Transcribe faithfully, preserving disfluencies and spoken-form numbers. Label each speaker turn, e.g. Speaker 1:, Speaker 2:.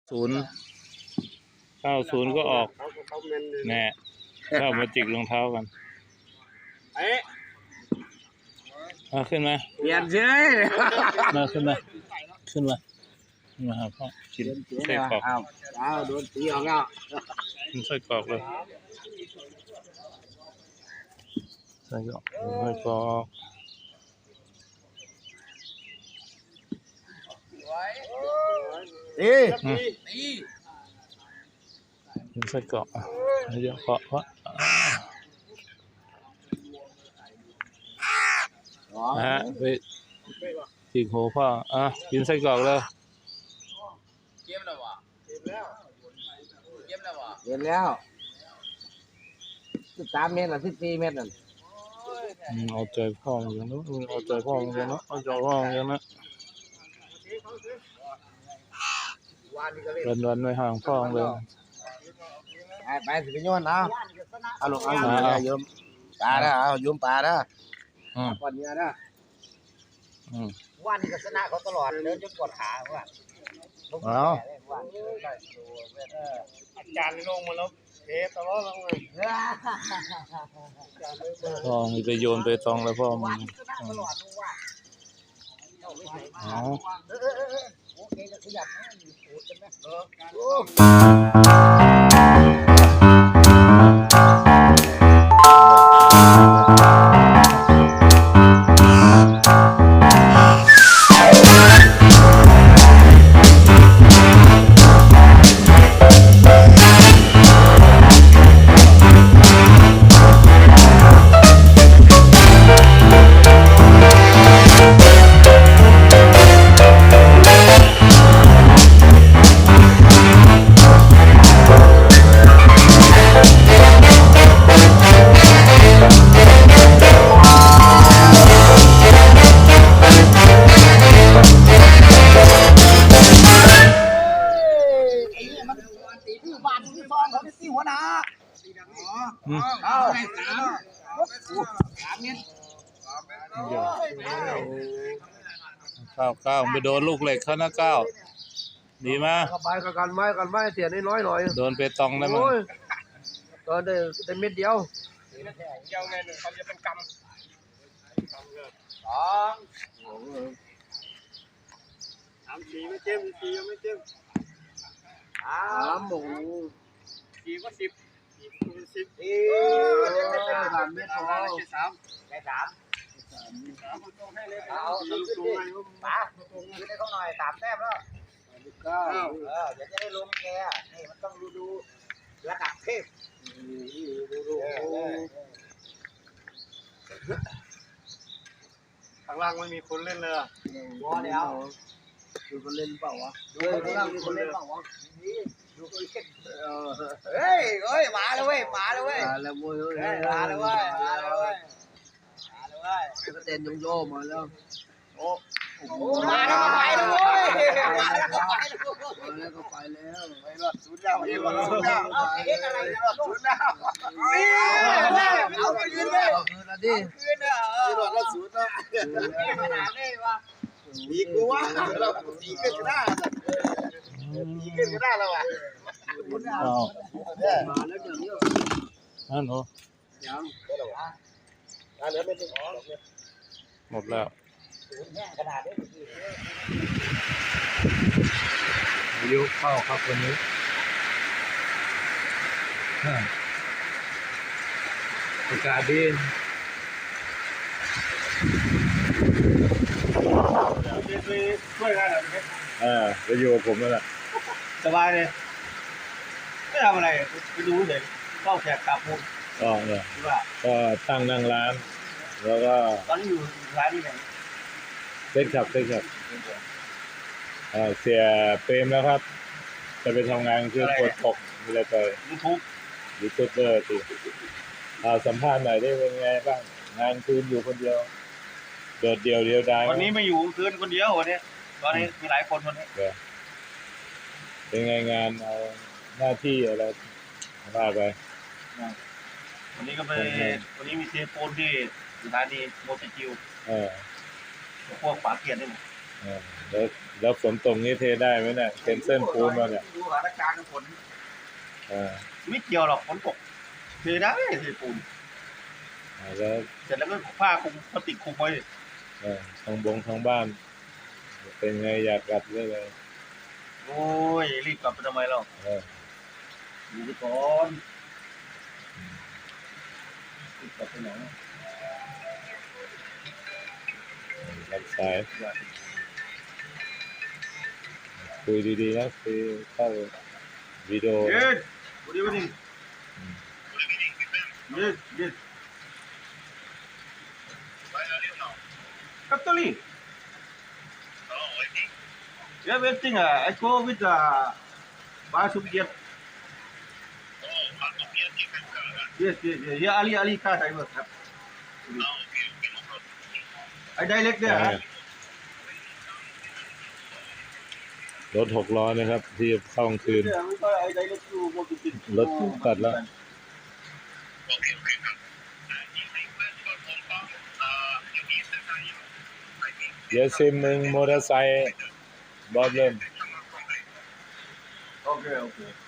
Speaker 1: ศูนย์เข้าศูนย์ก็ออกแน่เข้ามาจิกรองเท้ากันมาขึ้นมา
Speaker 2: เปลี่ยนเฉย
Speaker 1: มาขึ้นมาขึ้นมามาหาพ่อกินไส้กรอก
Speaker 2: อ้าวโดนตีออกแล้ว
Speaker 1: กินไส้กรอกเลยไส้กรอกไส้กรอก
Speaker 2: ตี
Speaker 1: ตีกินไส้กรอกเยอะเพราะเพราะนะฮะไปจิกหัวพ่ออ่ะกินไส้กรอกเลย
Speaker 2: เก็บแล้ววะเก็บแล้วเก็บแล้ววะเก็บแล้วสิบสามเมตรหรือสิบสี่เมตรนั่น
Speaker 1: เอาใจพ่ออย่างนั้นเอาใจพ่ออย่างนั้นเอาใจพ่ออย่างนั้นวันวันไม่ห่างพ่อเลย
Speaker 2: ไปไปสิไปโยนเอาเอาลงเอาเอาโยมปลาได้เอาโยมปลาได้ก่อนเนี้ยนะวันนี้ก็ชนะเขาตลอดเดินจนปวดขาว่า
Speaker 1: เอา
Speaker 2: อาจารย์ลงมาแล้วเทตลอดลงเลย
Speaker 1: พ่อมีไปโยนไปตองแล้วพ่อมึงเอา
Speaker 2: โอเคก็ขยับนะมีสูตรกันหัวหน้าเอาสามสามเมตร
Speaker 1: ก้าวก้าวไปโดนลูกเหล็กเขานะก้าวดีมาก
Speaker 2: ไปกันไม้กันไม้เสียน้อยหน่อย
Speaker 1: โดนไปตองได้มั้ย
Speaker 2: ตอนได้ได้เม็ดเดียวเดียวไงหนึ่งเขาจะเป็นกำสองสามสี่ไม่เจ็บสี่ยังไม่เจ็บสามหมูสี่ก็สิบสิบเออสามเมตรพอสามได้สามเอาขึ้นดิป๋าขึ้นให้เขาหน่อยสามแต้มแล้วเก้าเออเดี๋ยวจะได้ลงแกนี่มันต้องดูดูระดับเทพดูดูข้างล่างไม่มีคนเล่นเลยอ่ะวอเดี๋ยวดูคนเล่นเปล่าวะดูข้างล่างมีคนเล่นเปล่าวะดูคนเล่นเฮ้ยเฮ้ยมาแล้วเว้ยมาแล้วเว้ยมาแล้วเว้ยมาแล้วเว้ยมาแล้วเว้ยมาแล้วเว้ยก็เต้นโยโย่มาแล้วโอ้มาแล้วก็ไปแล้วเว้ยมาแล้วก็ไปแล้วมาแล้วก็ไปแล้วไปรอดศูนย์ดาวไปรอดศูนย์ดาวเอ๊ะอะไรรอดศูนย์ดาวนี่เอาไปยืนเลยคืนละดิคืนอ่ะรอดรอดศูนย์นะขนาดนี้วะดีกูวะเราดีขึ้นก็ได้ดีขึ้นก็ได้แล้วอ่ะ
Speaker 1: อ้าว
Speaker 2: มาแล้วอย่างนี้
Speaker 1: นั่นเหรอ
Speaker 2: ยังอ่ะเหลือเป็นหนึ่ง
Speaker 1: หมดแล้ว
Speaker 2: ขนาดนี้
Speaker 1: อายุเข้าครับวันนี้อากาศดี
Speaker 2: ช่วยกันเหรอ
Speaker 1: อ่าไปอยู่กับผมนั่นแหละ
Speaker 2: สบายเลยไม่ทำอะไรไปดูเฉยเข้าแขกกลับมุก
Speaker 1: ก็เนี่ยก็ตั้งนั่งร้านแล้วก็
Speaker 2: ตอนนี้อยู่ร้านนี้ไง
Speaker 1: เซ็กชับเซ็กชับเสียเปรมแล้วครับจะไปทำงานคือปวดตกมีอะไรไป
Speaker 2: ยูทูบ
Speaker 1: ยูทูบเบอร์สิสัมภาษณ์หน่อยได้เป็นไงบ้างงานคืนอยู่คนเดียวโดดเดียวเดียวดาย
Speaker 2: วันนี้ไม่อยู่คืนคนเดียววันนี้ตอนนี้มีหลายคนวันนี้
Speaker 1: เป็นไงงานเอาหน้าที่อะไรว่าไป
Speaker 2: วันนี้ก็ไปวันนี้มีเทปโอนที่สถานีโมจิจิว
Speaker 1: เออ
Speaker 2: พวกฝาเกียร์ได้หมด
Speaker 1: แล้วแล้วฝนตกนี้เทได้ไหมเนี่ยเซนเซอร์ปูนมาเนี่ย
Speaker 2: สถานการณ์ฝน
Speaker 1: เออ
Speaker 2: ไม่เกี่ยวหรอกฝนตกเทได้เทปูน
Speaker 1: แล้ว
Speaker 2: เสร็จแล้วก็ผ้าคลุมพลาสติกคลุมไว้
Speaker 1: เออทางบงทางบ้าน เป็นไงอยากกลับเลยเลย
Speaker 2: โอ้ยรีบกลับไปทำไมเรา
Speaker 1: เออ
Speaker 2: อยู่ไปก่อนรีบกลับไปไหน
Speaker 1: รับสายคุยดีๆนะคุยเข้าวิดีโอ
Speaker 2: เย็นวันนี้วันนี้เย็นเย็นCatholic. Oh, waiting. Yeah, waiting. Uh, I go with uh, Basubiat. Oh, Basubiat chicken car. Yes, yes, yes. Yeah, Ali, Ali car driver. Oh, okay, okay, no problem. I direct there. Huh?
Speaker 1: รถหกล้อนะครับ ที่เข้ากลางคืน
Speaker 2: Yeah, we got I direct to go to Tin.
Speaker 1: รถตัดแล้ว
Speaker 2: Okay, okay.
Speaker 1: Yes, him มอเตอร์ไซค์บอลเล่น
Speaker 2: Okay, okay.